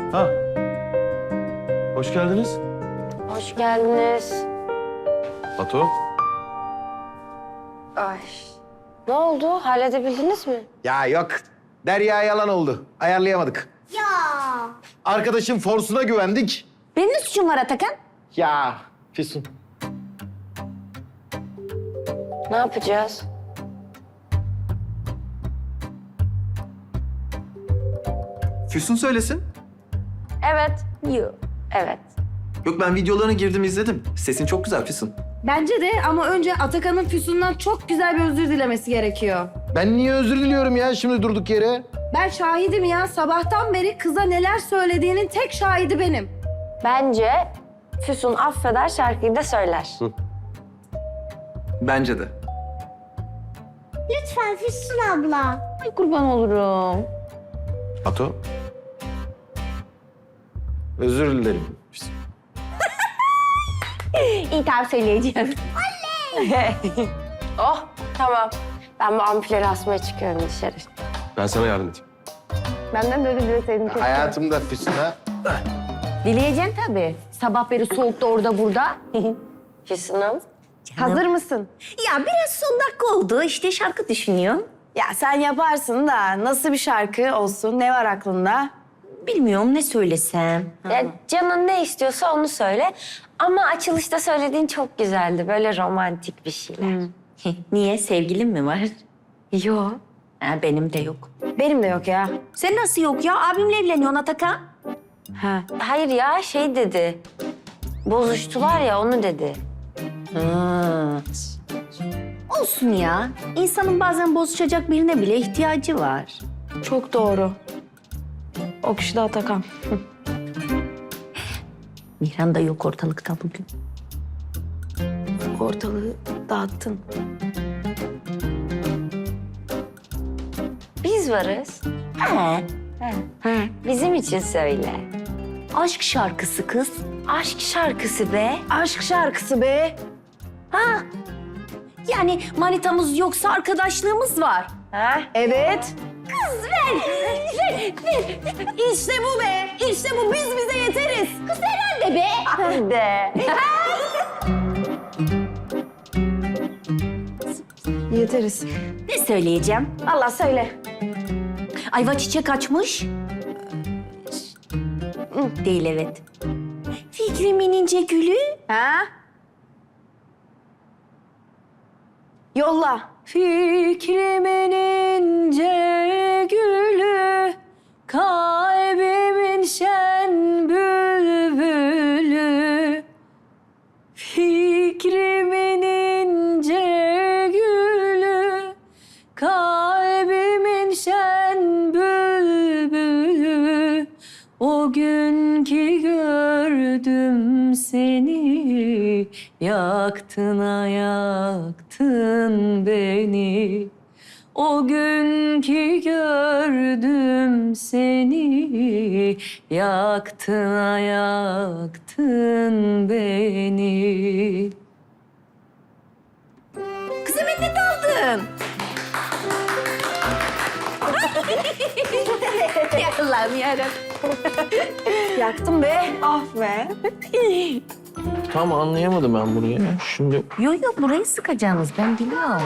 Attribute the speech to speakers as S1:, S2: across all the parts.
S1: Ha. Hoş geldiniz.
S2: Hoş geldiniz.
S1: Ato.
S2: Ay. Ne oldu? Halledebildiniz mi?
S3: Ya yok. Derya yalan oldu. Ayarlayamadık.
S4: Ya.
S3: Arkadaşın forsuna güvendik.
S4: Benim ne suçum var Atakan?
S3: Ya Füsun.
S2: Ne yapacağız?
S5: Füsun söylesin.
S2: Evet. Yok. Evet.
S5: Yok ben videolarına girdim izledim. Sesin çok güzel Füsun.
S6: Bence de ama önce Atakan'ın Füsun'dan çok güzel bir özür dilemesi gerekiyor.
S3: Ben niye özür diliyorum ya şimdi durduk yere?
S6: Ben şahidim ya. Sabahtan beri kıza neler söylediğinin tek şahidi benim.
S2: Bence Füsun affeder, şarkıyı da söyler.
S5: Bence de.
S4: Lütfen Füsun abla.
S6: Ay kurban olurum.
S3: Ato. Özür dilerim. Füsun.
S6: İyi tamam söyleyeceğim.
S2: Oh, tamam. Ben bu ampulleri asmaya çıkıyorum dışarı.
S1: Ben sana yardım edeyim.
S6: Benden de öyle dileseydim keşke.
S3: Hayatımda Füsun'a
S6: Dileyeceksin tabii. Sabah beri soğukta orada burada.
S2: Füsun'um.
S6: Hazır mısın?
S7: Ya biraz son dakika oldu. İşte şarkı düşünüyorum.
S6: Ya sen yaparsın da nasıl bir şarkı olsun? Ne var aklında?
S7: Bilmiyorum ne söylesem.
S2: Ya canın ne istiyorsa onu söyle. Ama açılışta söylediğin çok güzeldi. Böyle romantik bir şeyler.
S7: Niye? Sevgilin mi var?
S2: Yo.
S7: Ha, benim de yok.
S6: Benim de yok ya.
S7: Sen nasıl yok ya? Abimle evleniyorsun Atakan.
S6: Ha.
S2: Hayır ya şey dedi. Bozuştular ya onu dedi.
S7: Ha. Olsun ya. İnsanın bazen bozuşacak birine bile ihtiyacı var.
S6: Çok doğru. O kişi de Atakan.
S7: Mihran da yok ortalıkta bugün.
S6: Ortalığı dağıttın.
S2: Biz varız.
S7: Ha.
S2: Bizim için söyle.
S7: Aşk şarkısı kız.
S2: Aşk şarkısı be.
S6: Aşk şarkısı be.
S7: Ha. Yani manitamız yoksa arkadaşlığımız var.
S2: Ha?
S6: Evet. İşte bu be. İşte bu. Biz bize yeteriz. Kız herhalde be.
S2: De.
S6: Yeteriz.
S7: Ne söyleyeceğim?
S6: Allah söyle.
S7: Ayva çiçek açmış. Değil evet. Fikrimin ince gülü.
S6: Ha? Yolla.
S7: Fikrimin ince gülü, kalbimin şen bülbülü. Fikrimin ince gülü, kalbimin şen bülbülü. O gün ki gördüm seni, yaktın yaktın beni. O gün ki gördüm seni, yaktın yaktın beni. Kızım ne daldın? Ya Allah'ım yarabbim.
S6: Yaktım be. Ah be.
S1: Tam anlayamadım ben bunu ya. Şimdi
S7: Yok burayı sıkacaksınız ben biliyorum.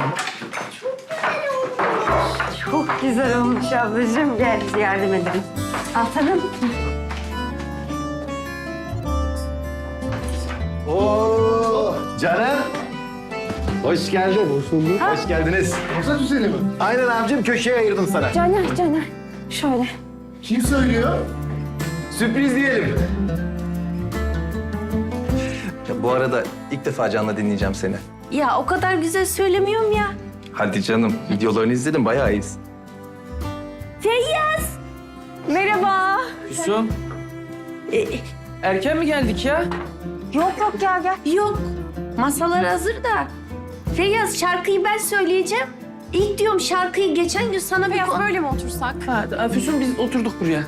S2: Çok güzel olmuş ablacığım. Gel yardım edelim. Atalım.
S3: Oo, Caner. Hoş geldin. Hoş bulduk. Hoş geldiniz.
S8: Masa düzeni mi?
S3: Aynen abicim köşeye ayırdım sana.
S6: Caner. Şöyle.
S8: Kim söylüyor?
S3: Sürpriz diyelim.
S5: Ya bu arada ilk defa canlı dinleyeceğim seni.
S7: Ya o kadar güzel söylemiyorum ya.
S5: Hadi canım videolarını izledim bayağı iyisin.
S7: Feyyaz.
S6: Merhaba.
S9: Füsun. Erken mi geldik ya?
S6: Yok gel.
S7: Yok. Masalar hazır da. Feyyaz şarkıyı ben söyleyeceğim. İlk diyorum şarkıyı geçen gün sana bir...
S6: Böyle mi otursak?
S9: Ha, Füsun biz oturduk buraya.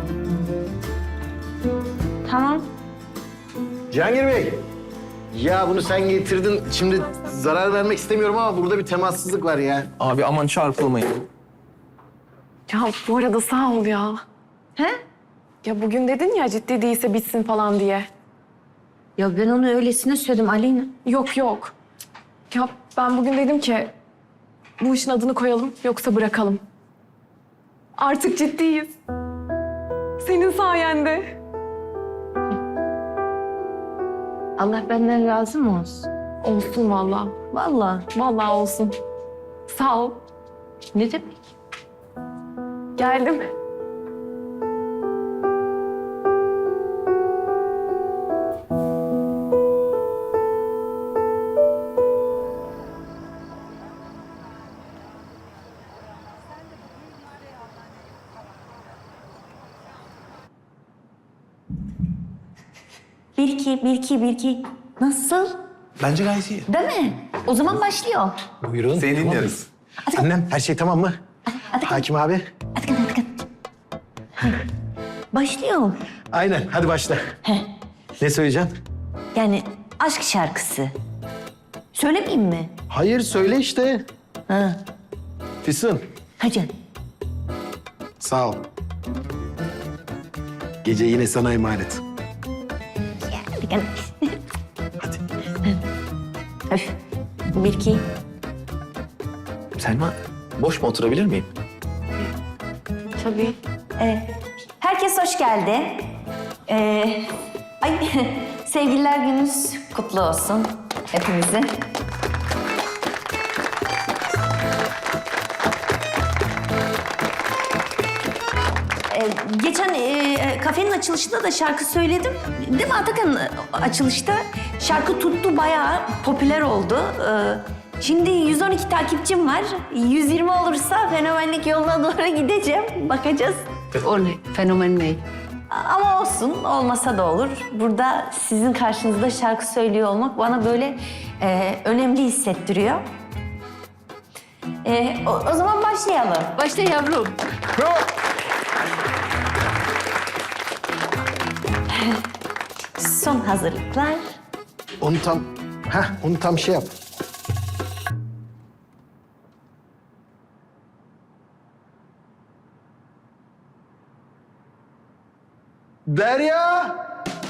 S7: Tamam.
S3: Cihangir Bey. Ya bunu sen getirdin. Şimdi zarar vermek istemiyorum ama burada bir temassızlık var ya.
S5: Abi aman çarpılmayın.
S6: Ya bu arada sağ ol ya.
S7: He?
S10: Ya bugün dedin ya ciddi değilse bitsin falan diye.
S7: Ya ben onu öylesine söyledim Aleyna.
S10: Yok yok. Ya ben bugün dedim ki bu işin adını koyalım yoksa bırakalım. Artık ciddiyiz. Senin sayende.
S7: Allah benden razı mı olsun?
S10: Olsun vallahi.
S7: Vallahi.
S10: Vallahi olsun. Sağ ol.
S7: Ne demek?
S10: Geldim.
S7: Bir iki. Nasıl?
S3: Bence gayet iyi.
S7: Değil mi? O zaman başlıyor.
S3: Buyurun.
S5: Seni dinliyoruz.
S3: Annem her şey tamam mı? Hakim abi.
S7: Başlıyor.
S3: Aynen hadi başla. Ne söyleyeceksin?
S7: Yani aşk şarkısı. Söylemeyeyim mi?
S3: Hayır söyle işte.
S7: Ha.
S3: Füsun
S7: Hadi.
S3: sağ ol. Gece yine sana emanet.
S7: Hadi. Öf. Bir iki.
S5: Selma, boş mu oturabilir miyim?
S7: Tabii. Herkes hoş geldi. Ay sevgililer gününüz kutlu olsun hepimize. Geçen kafenin açılışında da şarkı söyledim. Değil mi Atakan? Açılışta şarkı tuttu, bayağı popüler oldu. Şimdi 112 takipçim var. 120 olursa fenomenlik yoluna doğru gideceğim. Bakacağız.
S6: O ne? Fenomen ne?
S7: Ama olsun, olmasa da olur. Burada sizin karşınızda şarkı söylüyor olmak bana böyle önemli hissettiriyor. O zaman başlayalım.
S6: Başla yavrum.
S7: Son hazırlıklar.
S3: Onu tam şey yap. Derya!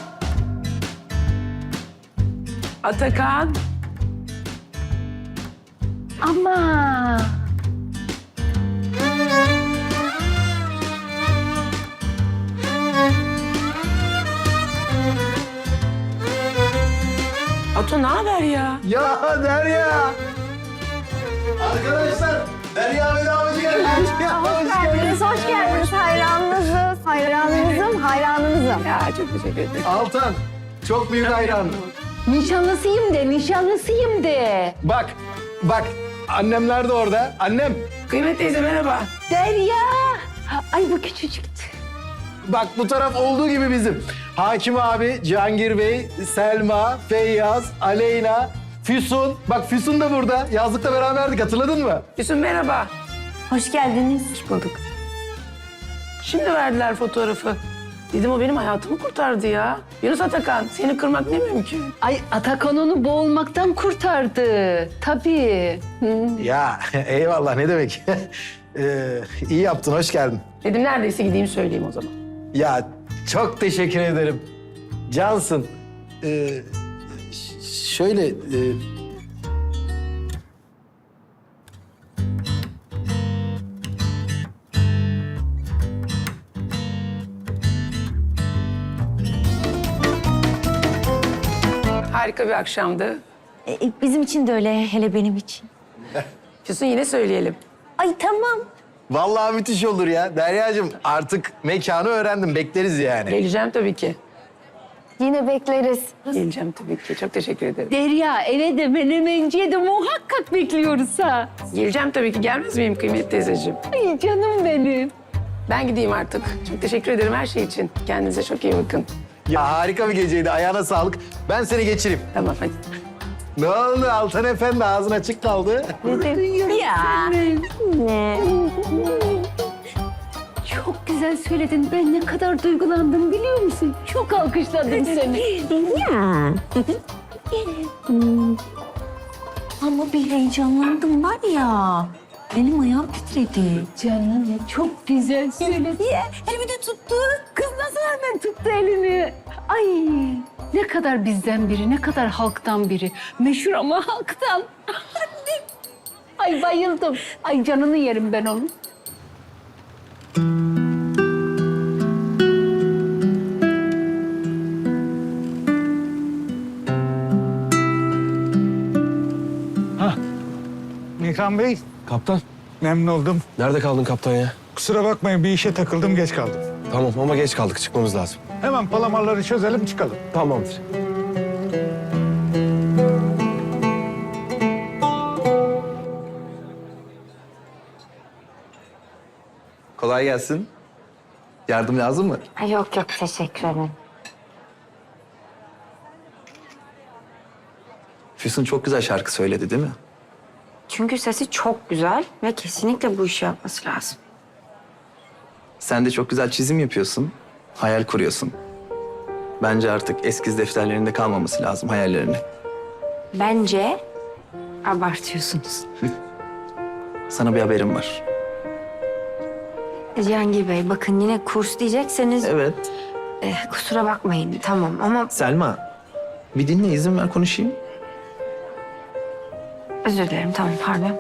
S9: Atakan.
S10: Ama.
S9: Ato ne haber ya?
S3: Ya Derya! Arkadaşlar, Derya Vedavacı gelmiş.
S4: Hoş geldiniz. Hayranınızız. Hayranınızım.
S9: Ya çok teşekkür ederim.
S3: Altan, çok büyük hayran.
S6: Nişanlısıyım de.
S3: Bak, annemler de orada. Annem,
S9: Kıymet teyze merhaba.
S6: Derya. Ay bu küçücüktü.
S3: bak bu taraf olduğu gibi bizim. Hakim abi, Cihangir Bey, Selma, Feyyaz, Aleyna, Füsun. Bak Füsun da burada. Yazlıkta beraberdik, hatırladın mı?
S9: Füsun merhaba.
S7: Hoş geldiniz.
S9: Hoş bulduk. Şimdi verdiler fotoğrafı. Dedim o benim hayatımı kurtardı ya. Yunus Atakan seni kırmak ne mümkün.
S6: Ay Atakan onu boğulmaktan kurtardı. Tabii.
S3: Ya eyvallah, ne demek. İyi yaptın, hoş geldin.
S9: Dedim neredeyse gideyim söyleyeyim o zaman.
S3: Ya çok teşekkür ederim. Cansın. Şöyle...
S9: Harika bir akşamdı.
S7: Bizim için de öyle, hele benim için.
S9: Füsun yine söyleyelim.
S7: Ay tamam.
S3: Vallahi müthiş olur ya. Deryacığım artık mekanı öğrendim. Bekleriz yani.
S9: Geleceğim tabii ki.
S4: Yine bekleriz.
S9: Geleceğim tabii ki. Çok teşekkür ederim.
S6: Derya eve de menemenciye de muhakkak bekliyoruz ha.
S9: Geleceğim tabii ki. Gelmez miyim Kıymet teyzeciğim?
S6: Ay canım benim.
S9: Ben gideyim artık. Çok teşekkür ederim her şey için. Kendinize çok iyi bakın.
S3: Ya harika bir geceydi. Ayağına sağlık. Ben seni geçireyim.
S9: Tamam hadi.
S3: Ne oldu Altan Efendi? Ağzın açık kaldı.
S7: Ya.
S6: Çok güzel söyledin. Ben ne kadar duygulandım biliyor musun? Çok alkışladım seni.
S7: Ama bir heyecanlandım var ya. Benim ayağım titredi.
S6: Canım çok güzel söyledin.
S7: Elimi de tuttu. Kız nasıl
S6: tuttu elini. Ay ne kadar bizden biri, ne kadar halktan biri. Meşhur ama halktan. Ay bayıldım. Ay canını yerim ben onun.
S11: Nikan Bey,
S1: Kaptan,
S11: memnun oldum.
S1: nerede kaldın kaptan ya?
S11: Kusura bakmayın bir işe takıldım, geç kaldım.
S1: Tamam ama geç kaldık, çıkmamız lazım.
S11: Hemen palamarları çözelim, çıkalım.
S1: Tamamdır.
S5: Kolay gelsin. Yardım lazım mı?
S2: Ay, yok yok, teşekkür ederim.
S5: Füsun çok güzel şarkı söyledi değil mi?
S2: Çünkü sesi çok güzel ve kesinlikle bu işi yapması lazım.
S5: Sen de çok güzel çizim yapıyorsun. Hayal kuruyorsun. Bence artık eskiz defterlerinde kalmaması lazım hayallerini.
S2: Bence abartıyorsunuz.
S5: Sana bir haberim var.
S2: Cihangir Bey, bakın yine kurs diyecekseniz
S5: Evet.
S2: kusura bakmayın, tamam ama
S5: Selma, bir dinle, izin ver konuşayım.
S2: özür dilerim, tamam, pardon.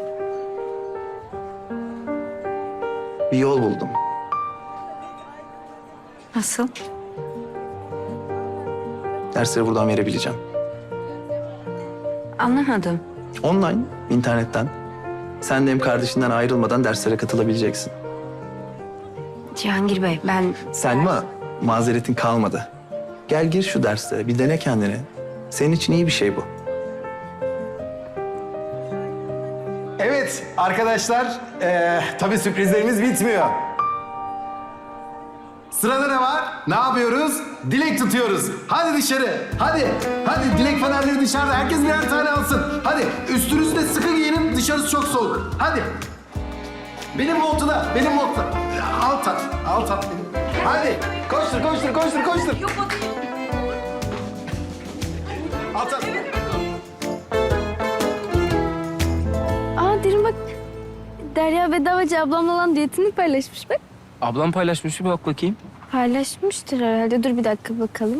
S5: Bir yol buldum.
S2: Nasıl?
S5: Dersleri buradan verebileceğim.
S2: Anlamadım.
S5: Online, internetten. Sen de hem kardeşinden ayrılmadan derslere katılabileceksin.
S2: Cihangir Bey, ben...
S5: Selma, mazeretin kalmadı. Gel gir şu derslere, bir dene kendini. Senin için iyi bir şey bu.
S3: Evet arkadaşlar, tabii sürprizlerimiz bitmiyor. Sırada ne var? Ne yapıyoruz? Dilek tutuyoruz. Hadi dışarı. Hadi. Hadi dilek fenerleri dışarıda. Herkes birer tane alsın. Hadi üstünüzü de sıkı giyinin. Dışarısı çok soğuk. Hadi. Benim montuda. Benim montuda. Alt at. Alt at benim. Hadi. Koştur, koştur, koştur, koştur. Alt at.
S4: Aa derin bak. Derya Bedavacı ablamla olan diyetini paylaşmış bak.
S1: Ablam paylaşmış, bir bak bakayım.
S4: Paylaşmıştır herhalde. Dur bir dakika bakalım.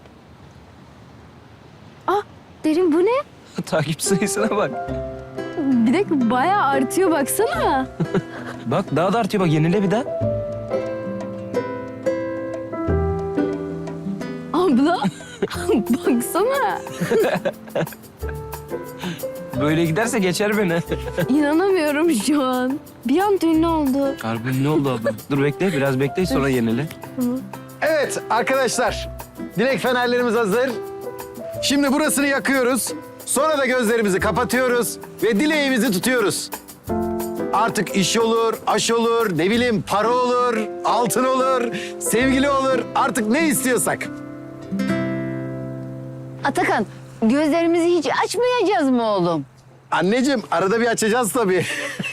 S4: Aa derin bu ne?
S1: Takipçi sayısına bak.
S4: Bir dakika bayağı artıyor baksana.
S1: Bak daha da artıyor, bak yenile bir daha.
S4: Abla baksana.
S1: Böyle giderse geçer beni.
S4: İnanamıyorum şu an. Bir an ünlü oldu.
S1: Harbi ne oldu abla? Dur bekle, biraz bekle sonra yenile.
S3: Evet arkadaşlar, dilek fenerlerimiz hazır. Şimdi burasını yakıyoruz. Sonra da gözlerimizi kapatıyoruz ve dileğimizi tutuyoruz. Artık iş olur, aş olur, ne bileyim para olur, altın olur, sevgili olur. Artık ne istiyorsak.
S6: Atakan, gözlerimizi hiç açmayacağız mı oğlum?
S3: Anneciğim arada bir açacağız tabii.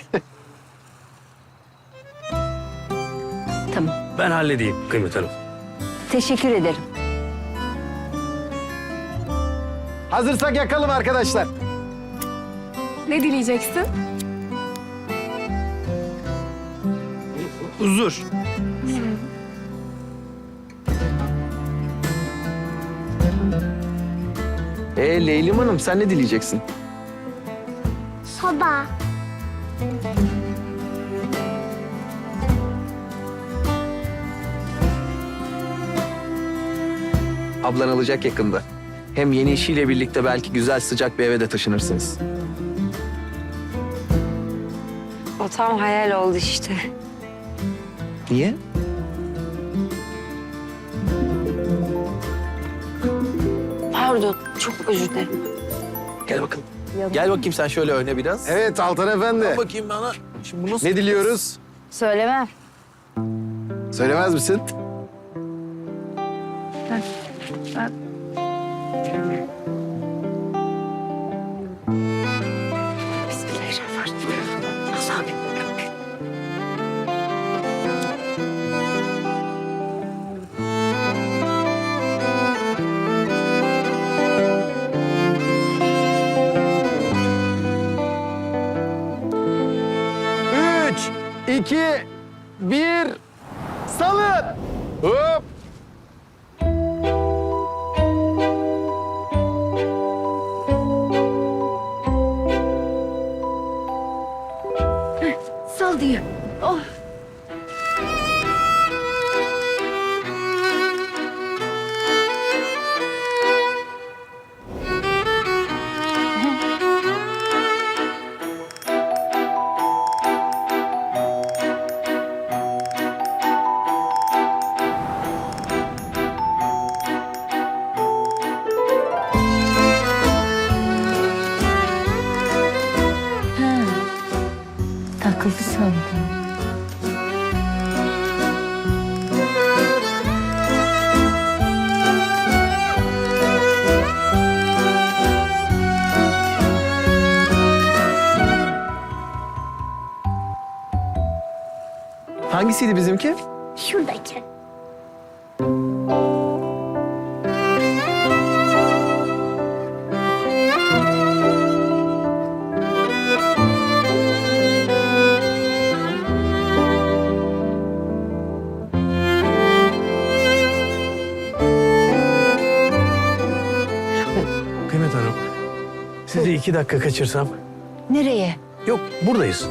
S6: Tamam,
S1: Ben halledeyim Kıymet Hanım.
S6: teşekkür ederim.
S3: Hazırsak yakalım arkadaşlar.
S10: Ne dileyeceksin?
S1: Huzur.
S5: Leylim Hanım, sen ne dileyeceksin?
S4: Soba.
S5: Ablan alacak yakında. Hem yeni işiyle birlikte belki güzel sıcak bir eve de taşınırsınız.
S2: O tam hayal oldu işte.
S5: Niye?
S2: Pardon, çok özür dilerim.
S5: Gel bakalım. Gel bakayım sen şöyle öne biraz.
S3: Evet Altan Efendi.
S1: Bakayım bana. Şimdi bu nasıl?
S3: Ne diliyoruz?
S6: Söylemem.
S3: Söylemez misin?
S2: Bismillahirrahmanirrahim. Nasıl abi?
S3: Üç, iki, bir, salın. Hop.
S6: maşallah.
S5: Hangisiydi bizimki?
S4: Şuradaki.
S1: Kıymet Hanım, sizi 2 dakika kaçırsam.
S2: Nereye?
S1: Yok, buradayız.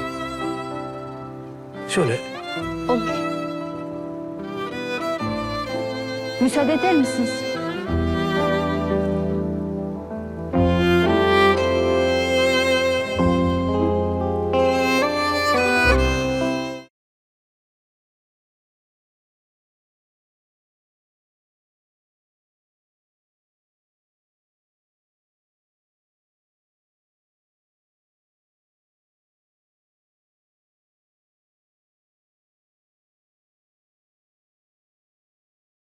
S1: Şöyle.
S6: Olur. Müsaade eder misiniz?